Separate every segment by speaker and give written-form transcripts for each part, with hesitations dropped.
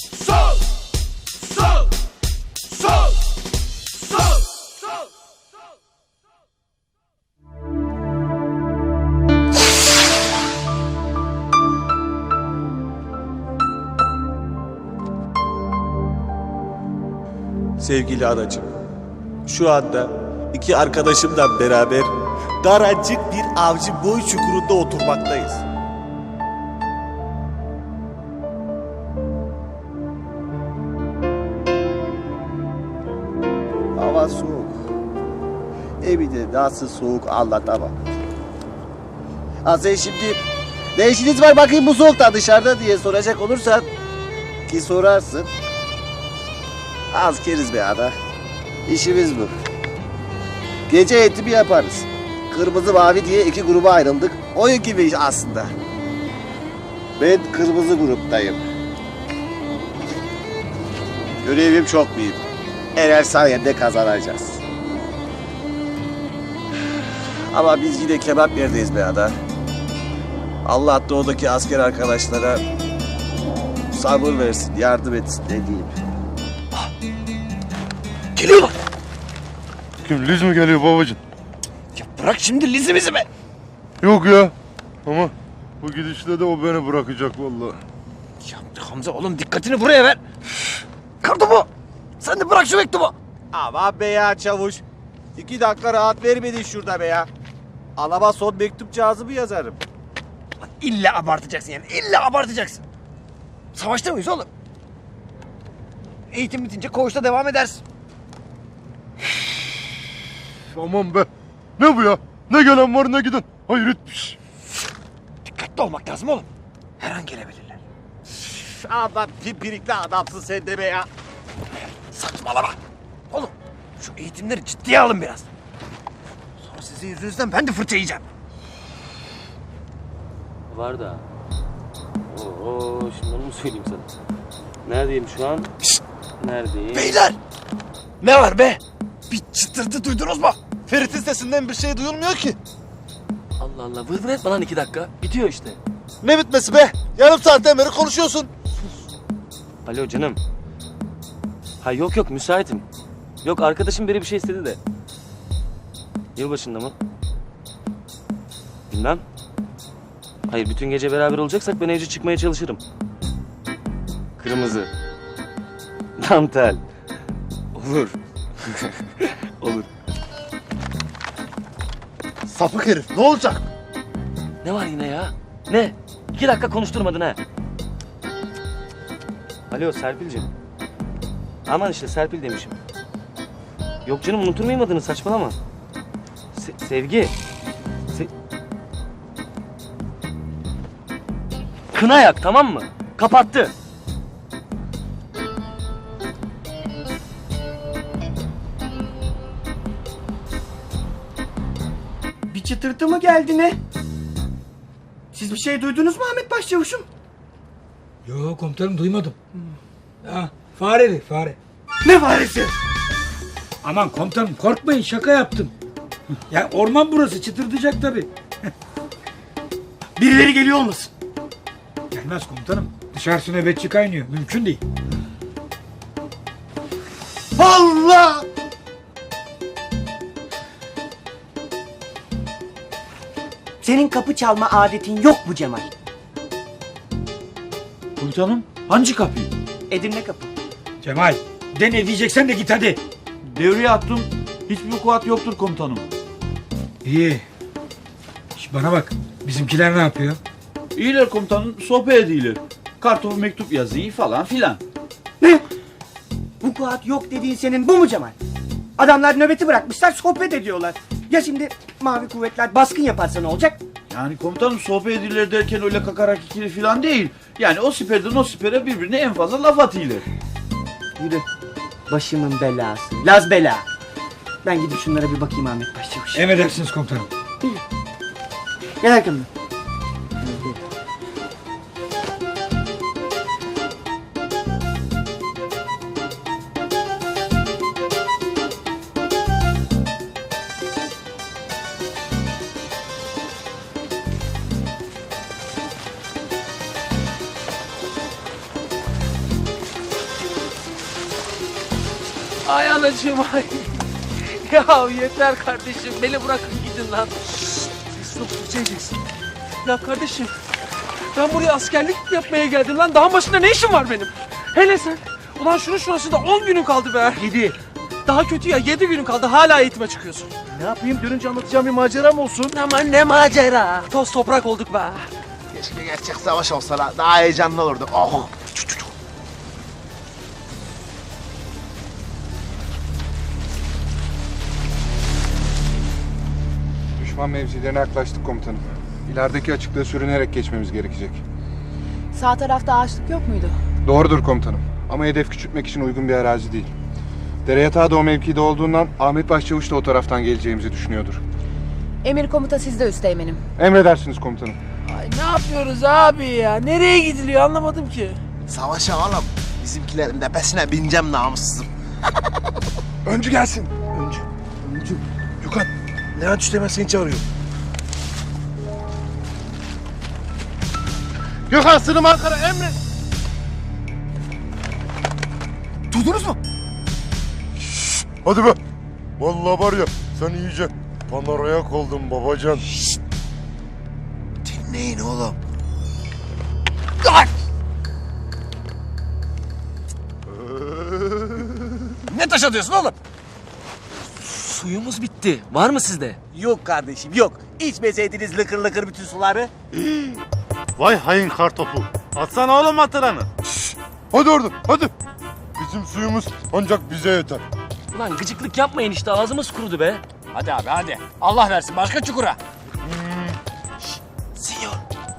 Speaker 1: Sol! Sol! Sol! Sol! Sol!
Speaker 2: Sevgili anacığım, şu anda iki arkadaşımla beraber daracık bir avcı boy çukurunda oturmaktayız. Hava soğuk. Evde nasıl soğuk anlatamam. Ha sen şimdi ne işiniz var bakayım bu soğukta dışarıda diye soracak olursan ki sorarsın. Az keriz be ana. İşimiz bu. Gece eğitimi yaparız. Kırmızı mavi diye iki gruba ayrıldık. Oyun gibi iş aslında. Ben kırmızı gruptayım. Görevim çok büyük. Eğer sayende kazanacağız. Ama biz yine kebap yerdeyiz be ada. Allah doğudaki asker arkadaşlara sabır versin, yardım etsin ne diyeyim.
Speaker 1: Geliyorlar.
Speaker 3: Kim Liz mi geliyor babacığım?
Speaker 1: Ya bırak şimdi lizimizi be.
Speaker 3: Yok ya. Ama bu gidişle de o beni bırakacak vallahi.
Speaker 1: Ya Hamza oğlum dikkatini buraya ver. Kartopu. Sen de bırak şu mektubu.
Speaker 2: Aman be ya çavuş. 2 dakika rahat vermedin şurada be ya. Alaba son mektup cihazımı yazarım.
Speaker 1: Lan İlla abartacaksın yani. İlla abartacaksın. Savaşta mıyız oğlum? Eğitim bitince koğuşta devam edersin.
Speaker 3: Aman be. Ne bu ya? Ne gelen var ne giden. Hayret bir şey.
Speaker 1: Dikkatli olmak lazım oğlum. Her an gelebilirler.
Speaker 2: Ama pimpirikli adamsın sen de be ya.
Speaker 1: Saçmalama. Oğlum şu eğitimleri ciddiye alın biraz. Sonra sizin yüzünüzden ben de fırça yiyeceğim.
Speaker 4: Var da. Oo, şimdi onu mu söyleyeyim sana? Neredeyim şu an?
Speaker 1: Şşt!
Speaker 4: Neredeyim?
Speaker 1: Beyler! Ne var be? Bir çıtırtı duydunuz mu?
Speaker 5: Ferit'in sesinden bir şey duyulmuyor ki.
Speaker 4: Allah Allah, vır vır etme lan 2 dakika. Bitiyor işte.
Speaker 5: Ne bitmesi be? Yarım saatten beri konuşuyorsun.
Speaker 4: Alo canım. Ha yok müsaitim. Yok arkadaşım biri bir şey istedi de. Yılbaşında mı? Bilmem. Hayır bütün gece beraber olacaksak ben evci çıkmaya çalışırım. Kırmızı. Dantel. Olur. Olur.
Speaker 5: Sapık herif, ne olacak?
Speaker 4: Ne var yine ya? Ne? 2 dakika konuşturmadın ha. Alo Serpil'cim. Aman işte Serpil demişim. Yok canım unutur muyum adını saçmalama. Sevgi. Kına yak tamam mı? Kapattı.
Speaker 6: Bir çıtırtı mı geldi ne? Siz bir şey duydunuz mu Ahmet Başçavuş'um?
Speaker 7: Yo komutanım duymadım. Ha, fareli fare.
Speaker 6: Ne faresi?
Speaker 7: Aman komutanım korkmayın şaka yaptım. Ya orman burası çıtırdayacak tabii.
Speaker 6: Birileri geliyor olmasın?
Speaker 7: Gelmez komutanım. Dışarısı nöbetçi kaynıyor. Mümkün değil.
Speaker 6: Allah! Senin kapı çalma adetin yok mu Cemal?
Speaker 8: Komutanım hangi kapıyı?
Speaker 6: Edirne kapı.
Speaker 7: Cemal de ne diyeceksen de git hadi.
Speaker 8: Devreye attım. Hiçbir vukuat yoktur komutanım.
Speaker 7: İyi. Şimdi bana bak. Bizimkiler ne yapıyor?
Speaker 8: İyiler komutanım sohbet ediyorlar. Kartopu mektup yazıyı falan filan.
Speaker 6: Ne? Vukuat yok dediğin senin bu mu Cemal? Adamlar nöbeti bırakmışlar sohbet ediyorlar. Ya şimdi mavi kuvvetler baskın yaparsa ne olacak?
Speaker 8: Yani komutanım sohbet ediyorlar derken öyle kakarak ikili filan değil. Yani o siperden o sipere birbirine en fazla laf atıyorlar.
Speaker 6: Yürü. Başımın belası. Laz bela. Ben gidip şunlara bir bakayım Ahmet Başçavuş.
Speaker 7: Emredersiniz komutanım.
Speaker 6: Gel arkamdan.
Speaker 1: Ay anacığım ay. Ya yeter kardeşim. Beni bırakın gidin lan. Siz çok fırçayacaksın. Ya kardeşim. Ben buraya askerlik yapmaya geldim lan. Dağın başında ne işim var benim? Hele sen. Ulan şunun şurasında 10 günün kaldı be.
Speaker 5: 7.
Speaker 1: Daha kötü ya 7 günün kaldı. Hala eğitime çıkıyorsun.
Speaker 5: Ne yapayım? Dönünce anlatacağım bir maceram olsun.
Speaker 1: Aman ne macera. Toz toprak olduk be.
Speaker 5: Keşke gerçek savaş olsa la. Daha heyecanlı olurdu. Oh.
Speaker 3: Düşman mevzilerine yaklaştık komutanım. İlerideki açıklığı sürünerek geçmemiz gerekecek.
Speaker 9: Sağ tarafta ağaçlık yok muydu?
Speaker 3: Doğrudur komutanım. Ama hedef küçültmek için uygun bir arazi değil. Dere yatağı da o mevkide olduğundan Ahmet Başçavuş da o taraftan geleceğimizi düşünüyordur.
Speaker 9: Emir komuta sizde üsteğmenim.
Speaker 3: Emredersiniz komutanım.
Speaker 1: Ay ne yapıyoruz abi ya? Nereye gidiliyor anlamadım ki.
Speaker 5: Savaşa oğlum. Bizimkilerin tepesine bineceğim namussuzum.
Speaker 3: Öncü gelsin.
Speaker 5: Öncü. Gökhan. Levent Üsteğmen seni çağırıyor. Gökhan sınım Ankara emret. Duydunuz mu?
Speaker 3: Hadi be. Vallahi var ya sen iyice panarayak oldun babacan.
Speaker 5: Dinleyin oğlum.
Speaker 1: Ne taş atıyorsun oğlum?
Speaker 4: Suyumuz bitti. Var mı sizde?
Speaker 2: Yok kardeşim yok. İçmeseydiniz lıkır lıkır bütün suları.
Speaker 5: Vay hain kartopu. Atsana oğlum hatıranı.
Speaker 3: Hadi oradan hadi. Bizim suyumuz ancak bize yeter.
Speaker 4: Ulan gıcıklık yapmayın işte ağzımız kurudu be.
Speaker 1: Hadi abi hadi. Allah versin başka çukura.
Speaker 2: Sinyor.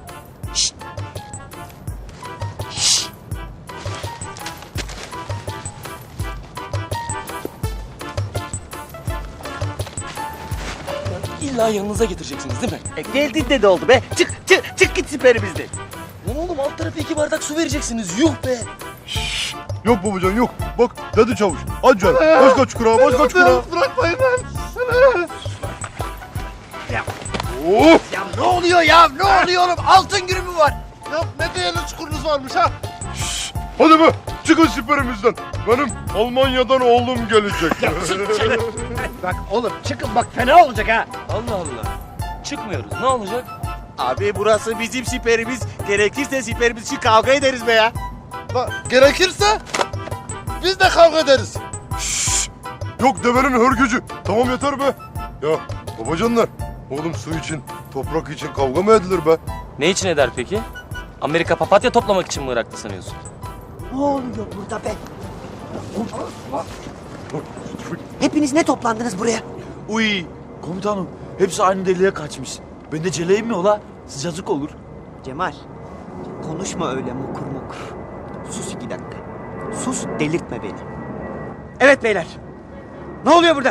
Speaker 4: İlla yanınıza getireceksiniz değil mi?
Speaker 2: Geldin de oldu be. Çık git siperimizden.
Speaker 4: Lan oğlum alt tarafı 2 bardak su vereceksiniz. Yuh be.
Speaker 3: Yok babacan yok. Bak dedi çavuş. Hadi canım. Başka çukura başka çukura.
Speaker 5: Bırakmayın lan.
Speaker 3: Of.
Speaker 1: Ya ne oluyor ya? Ne oluyor oğlum? Altın günü mü var?
Speaker 5: Ya ne değerli çukurunuz varmış ha.
Speaker 3: Hadi be. Çıkın siperimizden. Benim Almanya'dan oğlum gelecek.
Speaker 1: Bak oğlum çıkın bak fena olacak ha.
Speaker 4: Allah Allah. Çıkmıyoruz. Ne olacak?
Speaker 2: Abi burası bizim siperimiz. Gerekirse siperimiz için kavga ederiz be ya.
Speaker 5: Gerekirse biz de kavga ederiz.
Speaker 3: Yok devenin hörgücü. Tamam yeter be. Ya babacanlar. Oğlum su için, toprak için kavga mı edilir be?
Speaker 4: Ne için eder peki? Amerika papatya toplamak için mi Irak'ta sanıyorsun?
Speaker 6: Ne oluyor burada be? Hepiniz ne toplandınız buraya?
Speaker 8: Uy komutanım hepsi aynı deliğe kaçmış. Ben de celeyim mi ola? Sıcacık olur.
Speaker 6: Cemal, konuşma öyle mukur mukur. Sus 2 dakika. Sus, delirtme beni. Evet beyler. Ne oluyor burada?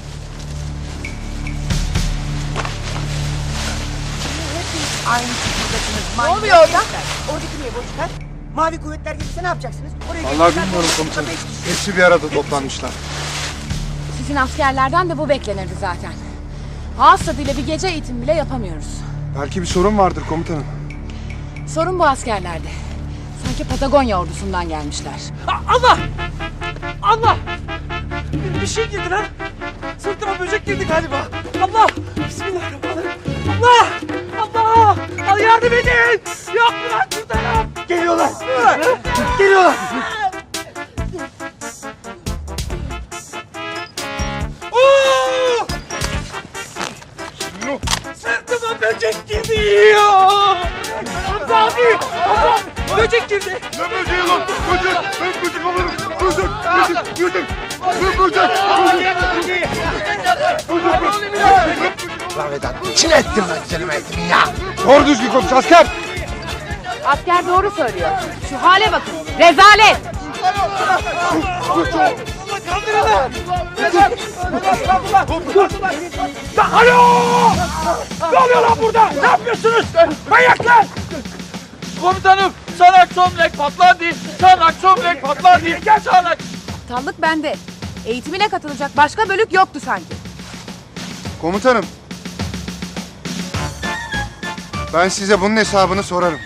Speaker 6: Aynı çukurdaşınız. Ne oluyor orada? Oradaki niye boşlar? Mavi kuvvetler gelirse ne yapacaksınız? Oraya
Speaker 3: Vallahi
Speaker 6: gelirler,
Speaker 3: bilmiyorum
Speaker 6: boşlukta
Speaker 3: komutanım.
Speaker 6: beş kişi.
Speaker 3: Hepsi bir arada toplanmışlar.
Speaker 9: Sizin askerlerden de bu beklenirdi zaten. Ağız tadıyla bir gece eğitim bile yapamıyoruz.
Speaker 3: Belki bir sorun vardır komutanım.
Speaker 9: Sorun bu askerlerde. Sanki Patagonya ordusundan gelmişler.
Speaker 1: Allah! Allah! Bir şey girdi lan. Sırtıma böcek girdi galiba. Allah! Bismillahirrahmanirrahim. Allah! Allah! Al yardım edin! Yok mu lan kurtarın!
Speaker 6: Geliyorlar. Geliyorlar.
Speaker 1: Oo! Sırtıma böcek girdi ya! Hamza abi! Hamza! Böcek girdi!
Speaker 3: Ne böceği lan? Böcek! Ben böcek alırım! Böcek! Böcek! Böcek! Ben böcek!
Speaker 5: Lan Vedat kim ettin lan güzelim eğitimi ya?
Speaker 3: Doğru düzgün konuş asker!
Speaker 9: Asker doğru söylüyor. Şu hale bakın. Rezalet!
Speaker 1: Alo! Ne oluyor lan burada? Ne yapıyorsunuz? Manyaklar! Komutanım, çanak çömlek patladı. Çanak çömlek patladı. Gel çanak.
Speaker 9: Aptallık bende. Eğitimine katılacak başka bölük yoktu sanki.
Speaker 3: Komutanım. Ben size bunun hesabını sorarım.